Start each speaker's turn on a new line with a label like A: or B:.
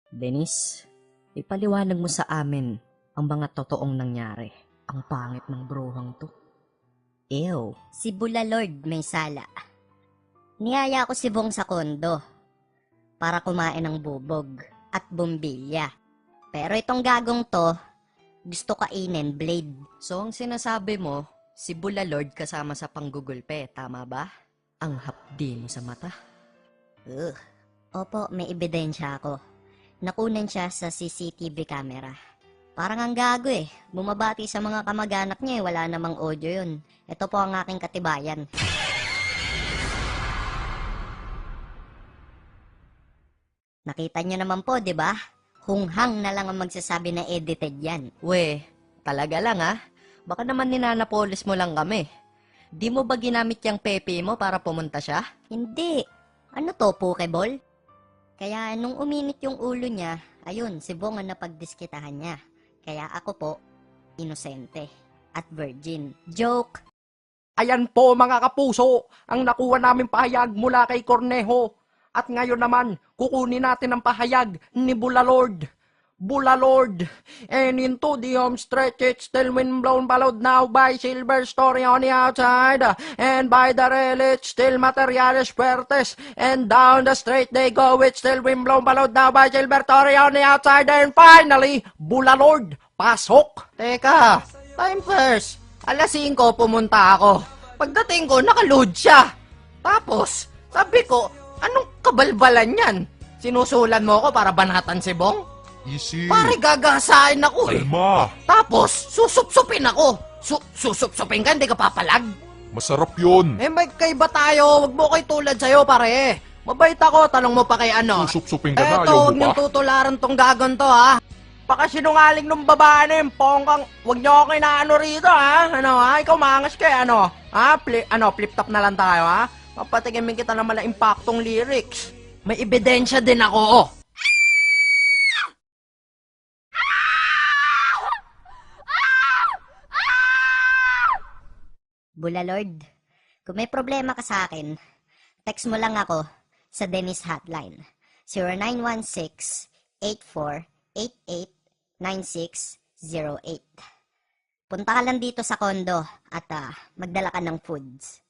A: Dennis, ipaliwanag mo sa amin ang mga totoong nangyari. Ang pangit ng bruhang to. Ew.
B: Si Bulalord may sala. Niyaya ko si Bong sa kondo para kumain ng bubog at bumbilya. Pero itong gagong to, gusto kainin blade.
A: So ang sinasabi mo, si Bulalord kasama sa panggugulpe, tama ba? Ang hapdi mo sa mata.
B: Ugh. Opo, may ebidensya ako. Nakunan siya sa CCTV camera. Parang ang gago eh. Bumabati sa mga kamag-anak niya eh. Wala namang audio yun. Ito po ang aking katibayan. Nakita niyo naman po, di ba? Hunghang na lang ang magsasabi na edited yan.
A: We, talaga lang ah. Baka naman ninanapolis mo lang kami. Di mo ba ginamit yung pepe mo para pumunta siya?
B: Hindi. Ano to, Pokeball? Kaya nung uminit yung ulo niya, ayun, si Bong ang napagdiskitahan niya. Kaya ako po, inosente at virgin. Joke!
C: Ayan po mga kapuso, ang nakuha naming pahayag mula kay Cornejo. At ngayon naman, kukunin natin ang pahayag ni Bulalord. Bulalord, and into the home stretch, it's still wind blown followed now by silver story on the outside, and by the rail it's still materiales fuertes, and down the straight they go, it's still wind blown followed now by silver story on the outside, and finally, Bulalord, pasok!
A: Teka, time first. Alas 5 pumunta ako. Pagdating ko, nakaload siya. Tapos, sabi ko, anong kabalbalan yan? Sinusulan mo ako para banatan si Bong?
D: Easy.
A: Pare, gagasain ako eh.
D: Kalma.
A: Tapos, susupsupin ako. Susupsupin ka, hindi ka papalag.
D: Masarap yun.
A: Eh, may kaiba tayo. Huwag mo kay tulad sa'yo, pare. Mabait ako, tanong mo pa kay ano.
D: Susup-supin ka na,
A: Eto,
D: ayaw
A: huwag
D: mo
A: niyong
D: pa.
A: tutularan tong gagon to, ha.
C: Baka sinungaling nung babae na yung pongkang, huwag niyo ako inaano rito ha, ano ha, ikaw mangas kay ano, ha, flip top na lang tayo ha, papatigimin kita naman ng impaktong lyrics.
A: May ebidensya din ako, oh.
B: Bulalord, kung may problema ka sa akin, text mo lang ako sa Dennis Hotline. 0916-8488-9608. Punta ka lang dito sa kondo at magdala ka ng foods.